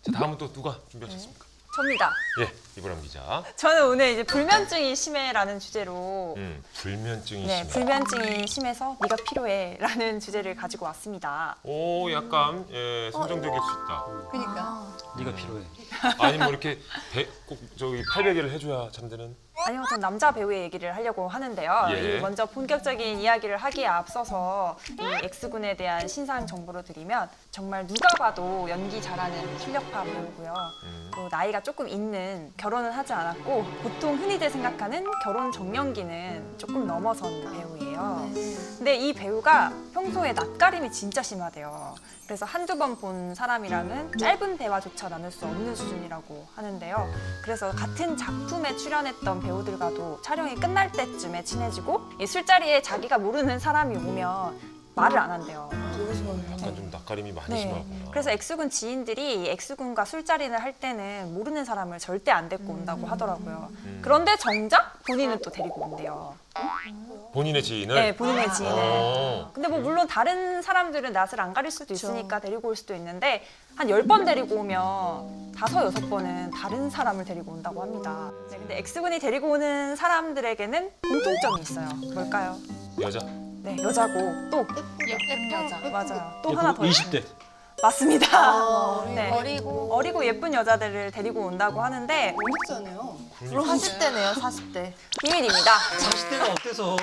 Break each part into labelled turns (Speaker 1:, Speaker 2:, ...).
Speaker 1: 자, 다음은 또 누가 준비하셨습니까?
Speaker 2: 접니다.
Speaker 1: 예, 이보람 기자.
Speaker 2: 저는 오늘 이제 불면증이 심해라는 주제로
Speaker 1: 불면증이
Speaker 2: 네,
Speaker 1: 심해.
Speaker 2: 불면증이 심해서 네가 필요해라는 주제를 가지고 왔습니다.
Speaker 1: 오, 약간 선정적일 수 있다.
Speaker 3: 그러니까.
Speaker 4: 네가 필요해.
Speaker 1: 아니 뭐 이렇게 꼭 저기 팔베개를 해줘야 잠드는.
Speaker 2: 아니요, 전 남자 배우의 얘기를 하려고 하는데요.
Speaker 1: 예.
Speaker 2: 이 먼저 본격적인 이야기를 하기에 앞서서 이 X군에 대한 신상 정보를 드리면 정말 누가 봐도 연기 잘하는 실력파 배우고요. 또 나이가 조금 있는, 결혼은 하지 않았고 보통 흔히들 생각하는 결혼 정년기는 조금 넘어선 배우예요. 근데 이 배우가 평소에 낯가림이 진짜 심하대요. 그래서 한두 번 본 사람이랑은 짧은 대화조차 나눌 수 없는 수준이라고 하는데요. 그래서 같은 작품에 출연했던 배우들과도 촬영이 끝날 때쯤에 친해지고 이 술자리에 자기가 모르는 사람이 오면 말을 안 한대요.
Speaker 1: 약간 좀 낯가림이 많이 심하구나.
Speaker 2: 그래서 X군 지인들이 X군과 술자리를 할 때는 모르는 사람을 절대 안 데리고 온다고 하더라고요. 그런데 정작 본인은 또 데리고 온대요.
Speaker 1: 본인의 지인을?
Speaker 2: 네, 본인의 지인을.
Speaker 1: 어.
Speaker 2: 근데 뭐 물론 다른 사람들은 낯을 안 가릴 수도 있으니까 데리고 올 수도 있는데 한 10번 데리고 오면 5, 6번은 다른 사람을 데리고 온다고 합니다. 네, 근데 X군이 데리고 오는 사람들에게는 공통점이 있어요. 뭘까요?
Speaker 1: 여자.
Speaker 2: 네, 여자고 또
Speaker 3: 예쁜 여자.
Speaker 2: 맞아요. 또 하나 더
Speaker 4: 20대.
Speaker 2: 맞습니다. 네.
Speaker 3: 어리고
Speaker 2: 예쁜 여자들을 데리고 온다고 하는데
Speaker 3: 어렵잖아요.
Speaker 5: 40대네요, 40대.
Speaker 2: 비밀입니다.
Speaker 4: 40대가 어때서?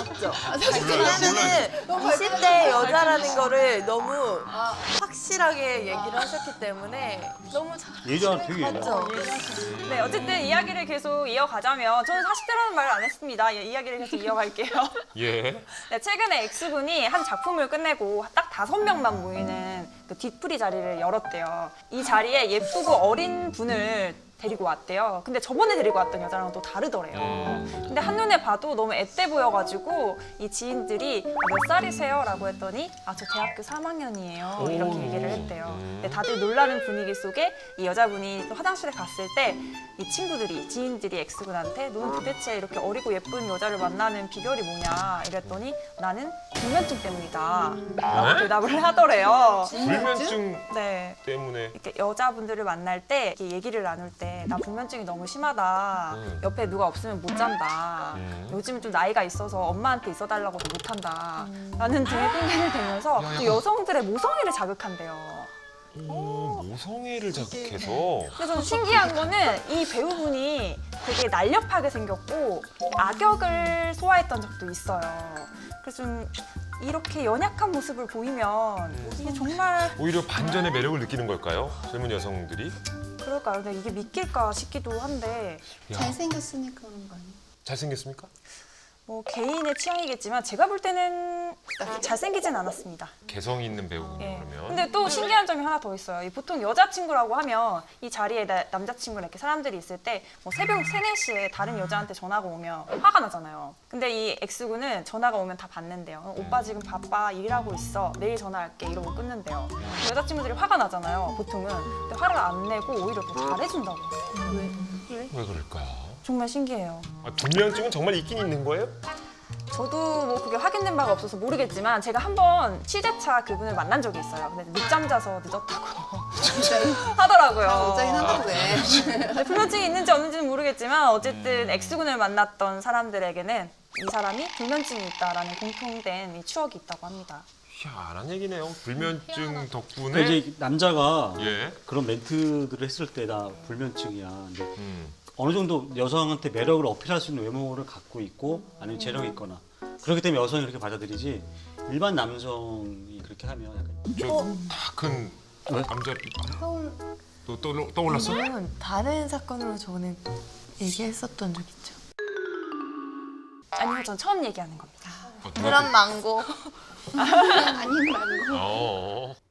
Speaker 5: 사실은 20대 여자라는 거를 너무 확실하게 얘기를 하셨기 때문에 너무 잘
Speaker 4: 예전 되게 예전.
Speaker 5: 맞죠?
Speaker 2: 네, 어쨌든 이야기를 계속 이어가자면 저는 40대라는 말을 안 했습니다. 이야기를 계속 이어갈게요.
Speaker 1: 예.
Speaker 2: 네, 최근에 X군이 한 작품을 끝내고 딱 5명만 모이는 그 뒤풀이 자리를 열었대요. 이 자리에 예쁘고 어린 분을 데리고 왔대요. 근데 저번에 데리고 왔던 여자랑은 또 다르더래요. 근데 한눈에 봐도 너무 앳돼 보여가지고 이 지인들이 몇 살이세요? 라고 했더니 저 대학교 3학년이에요. 이렇게 얘기를 했대요. 근데 다들 놀라는 분위기 속에 이 여자분이 또 화장실에 갔을 때 이 친구들이, 지인들이 X군한테 너는 도대체 이렇게 어리고 예쁜 여자를 만나는 비결이 뭐냐 이랬더니 나는 불면증 때문이다 라고 대답을 하더래요.
Speaker 1: 불면증
Speaker 2: 네.
Speaker 1: 때문에.
Speaker 2: 이렇게 여자분들을 만날 때 이렇게 얘기를 나눌 때 나 불면증이 너무 심하다. 옆에 누가 없으면 못 잔다. 요즘은 좀 나이가 있어서 엄마한테 있어달라고도 못 한다. 라는 등의 핑계를 대면서 또 여성들의 모성애를 자극한대요.
Speaker 1: 모성애를 자극해서.
Speaker 2: 그래서 저는 신기한 거는 이 배우분이 되게 날렵하게 생겼고 악역을 소화했던 적도 있어요. 그래서 좀 이렇게 연약한 모습을 보이면 이게 정말
Speaker 1: 오히려 반전의 매력을 느끼는 걸까요? 젊은 여성들이?
Speaker 2: 그럴까요? 근데 이게 믿길까 싶기도 한데
Speaker 1: 야,
Speaker 3: 잘생겼으니까 그런 거 아니에요?
Speaker 1: 잘생겼습니까?
Speaker 2: 뭐 개인의 취향이겠지만 제가 볼 때는 잘생기진 않았습니다.
Speaker 1: 개성 있는 배우군요,
Speaker 2: 예.
Speaker 1: 그러면.
Speaker 2: 근데 또 신기한 점이 하나 더 있어요. 이 보통 여자친구라고 하면 이 자리에 남자친구나 이렇게 사람들이 있을 때 뭐 새벽 3, 4시에 다른 여자한테 전화가 오면 화가 나잖아요. 근데 이 X군은 전화가 오면 다 받는데요. 오빠 지금 바빠, 일하고 있어. 내일 전화할게. 이러고 끊는데요. 여자친구들이 화가 나잖아요, 보통은. 근데 화를 안 내고 오히려 더 잘해준다고.
Speaker 1: 왜 그럴까요?
Speaker 2: 정말 신기해요.
Speaker 1: 불면증은 정말 있긴 있는 거예요?
Speaker 2: 저도 뭐 그게 확인된 바가 없어서 모르겠지만 제가 한번 취재차 그분을 만난 적이 있어요. 근데 늦잠 자서 늦었다고 하더라고요.
Speaker 3: 어쩌긴 한다고 왜.
Speaker 2: 네, 불면증이 있는지 없는지는 모르겠지만 어쨌든 X군을 만났던 사람들에게는 이 사람이 불면증이 있다라는 공통된 이 추억이 있다고 합니다.
Speaker 1: 희한한 얘기네요. 불면증
Speaker 4: 그
Speaker 1: 덕분에.
Speaker 4: 이제 남자가
Speaker 1: 예.
Speaker 4: 그런 멘트들을 했을 때 나 불면증이야. 근데
Speaker 1: 음.
Speaker 4: 어느 정도 여성한테 매력을 어필할 수 있는 외모를 갖고 있고 아니면 재력이 있거나 그렇기 때문에 여성이 그렇게 받아들이지 일반 남성이 그렇게 하면 약간
Speaker 1: 저다큰
Speaker 4: 왜?
Speaker 1: 남자 또 떠올랐어?
Speaker 5: 이건 다른 사건으로 전에 얘기했었던 적 있죠.
Speaker 2: 아니요, 전 처음 얘기하는 겁니다.
Speaker 5: 그런 망고.
Speaker 3: 아닌 말고.
Speaker 1: 어.